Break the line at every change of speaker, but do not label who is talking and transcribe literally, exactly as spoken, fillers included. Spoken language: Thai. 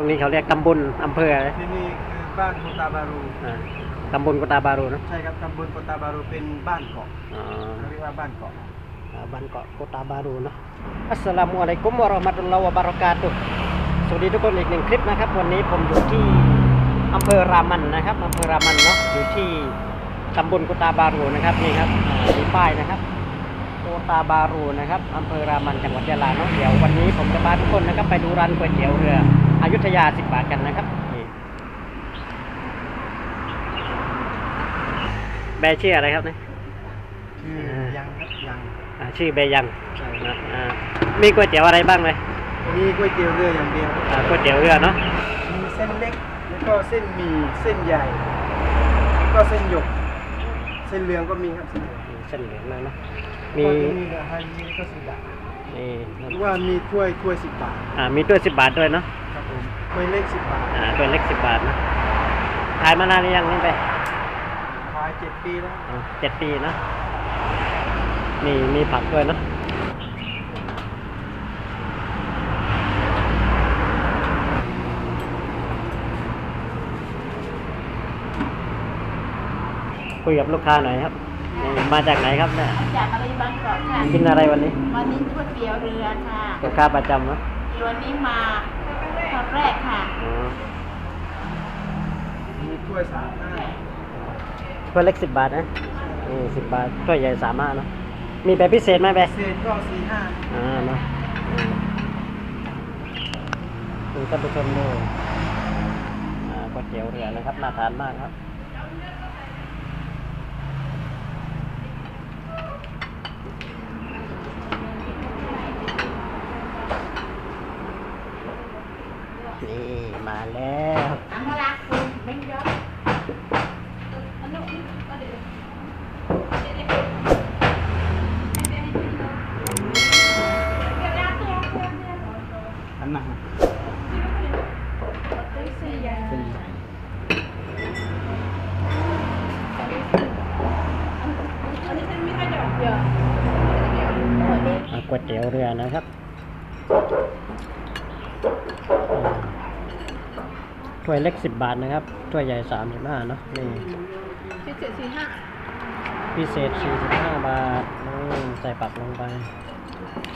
นี้เขาเรียกตำบลอำเภออะไร
ที่นี่คือบ้านโคตาบารู
อ่าตำบลโกตาบารูเนาะ
ใช่ครับตำบลโคตาบารูเป็นบ้านเกาะ
อ๋อ
เรียกว่าบ้านเกาะ
อ่าบ้านเกาะโกตาบารูเนาะอัสสลามุอะลัยกุมวะเราะห์มะตุลลอฮ์วะบะเราะกาตุฮ์สวัสดีทุกคนอีกหนึ่งคลิปนะครับวันนี้ผมอยู่ที่อำเภอรามันนะครับอำเภอรามันเนาะอยู่ที่ตำบลโกตาบารูนะครับนี่ครับมีป้ายนะครับโกตาบารูนะครับอำเภอรามันจังหวัดยะลาเนาะเดี๋ยววันนี้ผมจะพาทุกคนนะครับไปดูร้านก๋วยเตี๋ยวเรืออยุธยาสิบบาทกันนะครับนี่แบร์ชื่ออะไรครับเนี่ย
ชื่อยังครับยัง
อ่าชื่อเบยัง
ใช่
นะอ่ามีก๋วยเตี๋ยวอะไรบ้างเลย
มีก๋วยเตี๋ยวเรืออย่างเดียว
อ่าก๋วยเตี๋ยวเรือเนาะ
มีเส้นเล็กแล้วก็เส้นหมี่เส้นใหญ่แล้วก็เส้นหยกเส้นเหลืองก็มีครับเส้นเหลือง
เส้นเหลืองเลยเนาะ
มี
มี
มีกับฮันนี่ก็สิบบาท
นี่
หรือว่ามีถ้วยถ้วยสิบบาท
อ่ามีถ้วยสิบบาทด้วยเนาะ
ครับผมถ้วยเล็กสิบบาท
อ่าถ้วยเล็กสิบบาทนะขายมานานหรือยังนี่ไป
ขายเจ็ดปีแล้ว
อ๋อเจ็ดปีเนาะมีมีผักด้วยเนาะคุยกับลูกค้าหน่อยครับนี่มาจากไหนครับเนี่ย
จากอะไรบางกอกค่ะ
กินอะไรวันนี้
วันนี้ก๋วยเตี๋ยวเรือค่ะ
ลูกค้าประจำเนาะ
วันนี้มาครั้งแรกค่ะ
อ๋อ
มีถ้วยสามห้า
ถ้วยเล็กสิบบาทนะนี่สิบบาทถ้วยใหญ่สามห้าเนาะมีแบบพิเศษไหมแบบ
เศษก็สี่ห้า
อ่าเนาะดูท่านผู้ชมดูอ่าก๋วยเตี๋ยวเรือนะครับน่าทานมากครับนี่มาแล้ว
อามาลักคุณไม่ยอมอันนู้นก็เดี๋ยวเดี๋ยวเดี๋ยวเดี๋ยวตัวตัวเนี่ย
อันนั้น
ตัวสี่อย่าง
เส้นใหญ่
อันนี้เป็นมิตรดอกเยอะวันนี้
อ่าก๋วยเตี๋ยวเรือนะครับถ้วยเล็กสิบบาทนะครับถ้วยใหญ่สามสิบห้าเนาะนี่
พิเศษสี่ห้า
พิเศษสี่สิบห้าบาทอืมใส่ปักลงไป